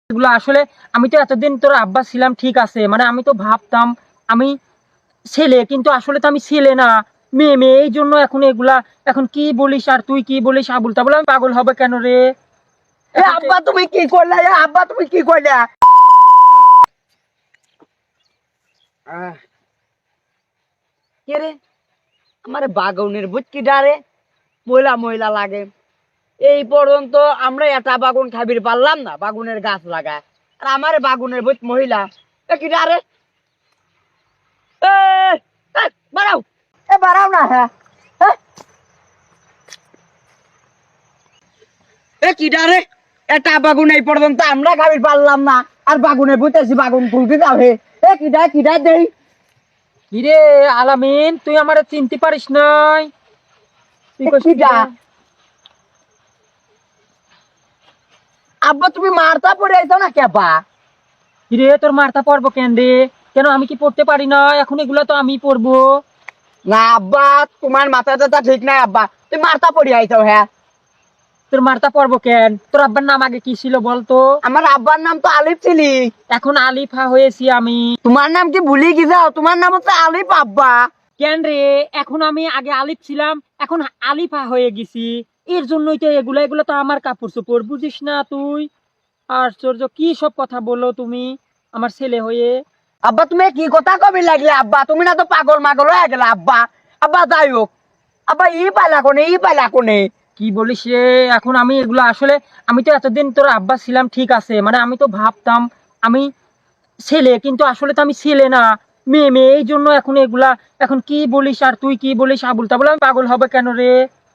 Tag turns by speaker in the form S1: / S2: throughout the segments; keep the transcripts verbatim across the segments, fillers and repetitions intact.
S1: এগুলো আসলে আমি তো এতদিন তোর আব্বা ছিলাম, ঠিক আছে, মানে আমি তো ভাবতাম আমি ছেলে, কিন্তু আসলে তো আমি ছেলে না, মেয়ে মেয়ে। এই জন্য এখন এগুলা, এখন কি বলিস আর তুই কি বলিস আবুল তাবুল, আমি পাগল হবে কেন রে?
S2: এ আব্বা তুমি কি করলে? এ আব্বা তুমি কি করলে? কে রে আমার বাগানের বুঝকি ডারে ময়লা ময়লা লাগে। এই পর্যন্ত আমরা এটা বাগুন খাবির পারলাম না, বাগুনের গাছ লাগায়, আর আমার বাগুনের বুঝ মহিলা এ কি ডারে? এ এ, বাড়াও, এ বাড়াও না। হ্যাঁ হ্যাঁ, এ কি ডারে? এটা বাগুন এই পর্যন্ত আমরা খাবির পারলাম না, আর বাগুনে বুঝতেছি বাগুন খুলতে যাবে। এ কি ডায় কি ডায় দেই?
S1: কিরে আলামিন, তুই আমারে চিনতে পারিস নাই? তুই
S2: এ
S1: কইস
S2: কি
S1: কি
S2: ডা?
S1: রে?
S2: আব্বা তুমি মারতা পড়ে আইছো না কেবা?
S1: কিরে তোর মারতা পড়বো কেন রে? কেন আমি কি পড়তে পারি না? এখন এগুলা তো আমি পড়বো।
S2: না আব্বা, তোমার মাথা টাথা ঠিক নাই আব্বা, তুমি মারতা পড়ে আইছো। হ্যাঁ,
S1: তোর মারতা পড়বো কেন? তোর আব্বার নাম আগে কি ছিল বলতো?
S2: আমার আব্বার নাম তো আলিফ ছিলি।
S1: এখন আলিফা হয়েছি আমি।
S2: তোমার নাম কি ভুলে গেছাও? তোমার নাম হচ্ছে আলিফ আব্বা।
S1: কেন রে? এখন আমি আগে আলিফ ছিলাম, এখন আলিফা হয়ে গেছি। এর জন্যই তো এগুলা, এগুলা তো আমার কাপড় চোপড়, বুঝিস না তুই? আশ্চর্য, কি সব কথা বলো তুমি আমার ছেলে হয়ে।
S2: আব্বা তুমি কি কথা কবি লাগলে আব্বা? তুমি না তো পাগল মাগল হয়ে গেলে আব্বা। আব্বা যাই হোক, আব্বা ই পাইলা কোনে, ই পাইলা কোনে?
S1: কি বলিস রে? এখন আমি এগুলা আসলে, আমি তো এতদিন তোর আব্বা ছিলাম, ঠিক আছে, মানে আমি তো ভাবতাম আমি ছেলে, কিন্তু আসলে তো আমি ছেলে না, মেয়ে মেয়ে। এই জন্য এখন এগুলা, এখন কি বলিস আর তুই কি বলিস আবুল তাবুল, আমি পাগল হবে কেন রে?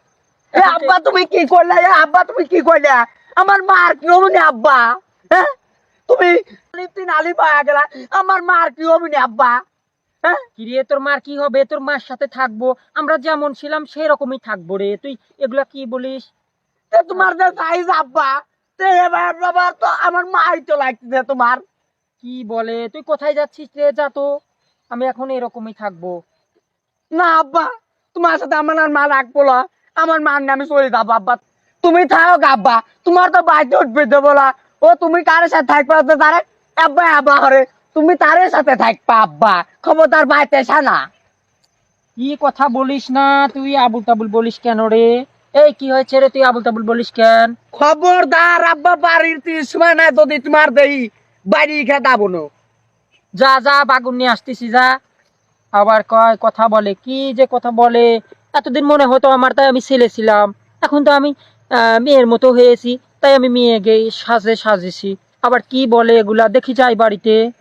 S2: এ
S1: এখন তো-
S2: আব্বা তুমি কি করলে? এ আব্বা তুমি কি করলে? আমার মার কি হবনি আব্বা? হ্যাঁ, তুমি আলিফ তিন আলিফ হয়ে গেলা, আমার মার কি হবনি আব্বা? হ্যাঁ,
S1: কিরে তোর মার কি হবে? তোর মার সাথে থাকবো, আমরা যেমন ছিলাম সেরকমই থাকবো রে। তুই এগুলা কি বলিস?
S2: তে তোমার যে সাইজ আব্বা, তে এবার বাবা তো আমার মাই তো লাগতেছে তোমার।
S1: কি বলে? তুই কোথায় যাচ্ছিস রে? যা তো, আমি এখন এরকমই থাকবো।
S2: না আব্বা, তোমার সাথে আমার আর মা রাখবো না, আমার মার নামে চলে যাবো আব্বা। তুমি থাকো আব্বা, তোমার তো বাইতে উঠবে দেবো বলা। ও তুমি কার সাথে থাকবা তো তারে আব্বা আব্বা হরে, তুমি তারের সাথে থাকবা আব্বা, খবরদার বাইতে সানা।
S1: কি কথা বলিস না তুই, আবুল তাবুল বলিস কেন রে? এই কি হয়েছে রে, তুই আবুল তাবুল বলিস কেন?
S2: খবরদার আব্বা, বাড়ির তিন সময় না যদি তোমার দেই বাড়ি খেতাবো না।
S1: যা যা, বাগুন নিয়ে আসতেছি, যা। আবার কয় কথা বলে, কি যে কথা বলে। এতদিন মনে হতো আমার, তাই আমি ছেলে ছিলাম, এখন তো আমি আহ, মেয়ের মতো হয়েছি, তাই আমি মেয়ে গে সাজে সাজেছি। আবার কি বলে এগুলা, দেখি যাই বাড়িতে।